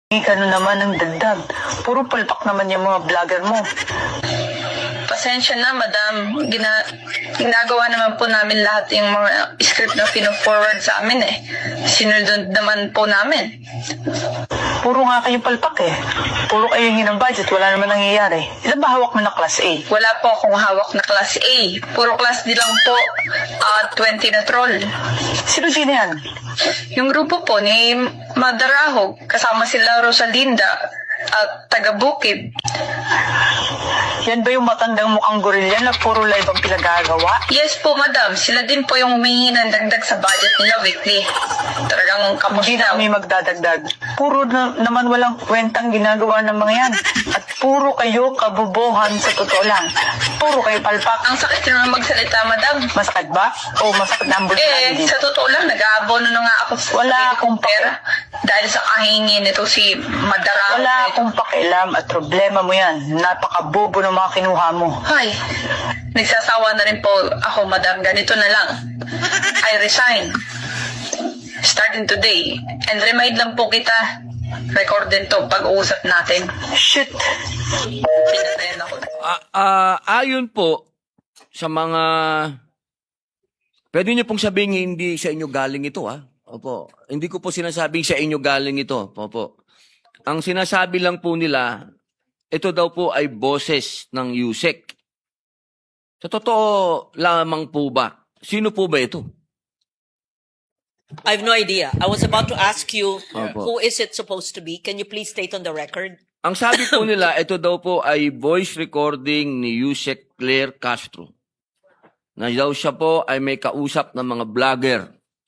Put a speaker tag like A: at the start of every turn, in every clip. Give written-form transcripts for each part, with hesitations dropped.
A: Ka naman ng dagdag. Puro palpak naman yung mga vlogger mo.
B: Pasensya na, madam. Ginagawa naman po namin lahat yung mga script na pino-forward sa amin eh. Sinunod naman po namin.
A: Puro nga kayo palpak eh. Puro kayo hingi ng budget, wala naman nangyayari. Ilan ba hawak mo na class A?
B: Wala po akong hawak na class A. Puro class D lang po. 20 na troll.
A: Sino yan?
B: Yung grupo po ni Madarahog, kasama sila Rosalinda at taga-Bukid.
A: Yan ba yung matandang mukhang gorilla na puro live ang pinagagawa?
B: Yes po, madam. Sila din po yung humingi ng dagdag sa budget nila weekly. Talagang
A: Hindi na
B: kamusinaw.
A: kami magdadagdag. Puro naman walang kwentang ginagawa ng mga yan. At puro kayo kabobohan sa totoo lang. Puro kayo palpak.
B: Ang sakit naman magsalita, madam.
A: Masakit ba? O masakit na ang bulsa
B: Sa totoo lang, nag-aabono na nga ako sa
A: Wala akong
B: pera. Dahil sa kahingi nito si Madarahog.
A: Wala akong pakialam at problema mo yan. Napakabobo ng mga kinuha mo.
B: Ay, nagsasawa na rin po ako, madam. Ganito na lang. I resign. Starting today. And remind lang po kita, record din to pag-uusap natin.
A: Shit!
B: Pinatayan ako.
C: Ayon po sa mga... Pwede niyo pong sabihin hindi sa inyo galing ito, ha? Opo. Hindi ko po sinasabing sa inyo galing ito. Opo. Ang sinasabi lang po nila, ito daw po ay boses ng USEC. Sa totoo lamang po ba? Sino po ba ito?
D: I have no idea. I was about to ask you,
C: Opo.
D: who is it supposed to be? Can you please state on the record?
C: Ang sabi po nila, ito daw po ay voice recording ni USEC Claire Castro. Na daw siya po ay may kausap ng mga vlogger.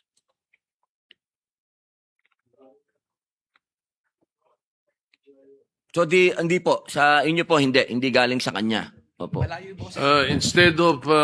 C: So hindi po, sa inyo po hindi galing sa kanya. Opo.
E: Instead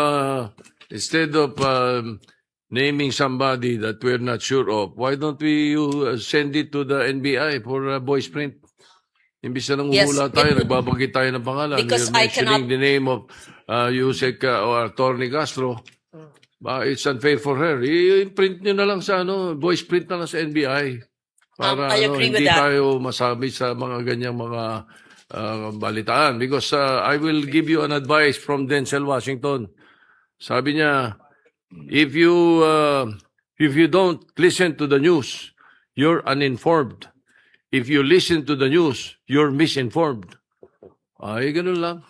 E: of naming somebody that we're not sure of, why don't we send it to the NBI for voice print? Imbis na
D: Yes,
E: nanguhula tayo,
D: it would-
E: nagbabagit tayo ng pangalan.
D: Because
E: You're
D: I cannot-
E: mentioning the name of Yusek or Attorney Castro. It's unfair for her. I-print nyo na lang sa voice print na lang sa NBI. Para
D: I agree with
E: hindi
D: that.
E: tayo masabi sa mga ganyang mga balitaan. Because I will give you an advice from Denzel Washington. Sabi niya, if you don't listen to the news, you're uninformed. If you listen to the news, you're misinformed. Ay, ganun lang.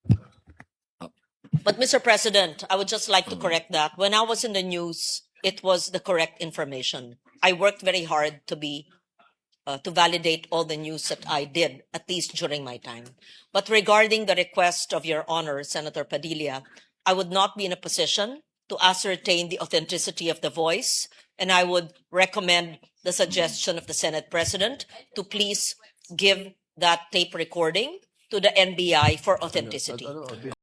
D: But Mr. President, I would just like to correct that. When I was in the news, it was the correct information. I worked very hard to validate all the news that I did, at least during my time. But regarding the request of Your Honor, Senator Padilla, I would not be in a position to ascertain the authenticity of the voice, and I would recommend the suggestion of the Senate President to please give that tape recording to the NBI for authenticity.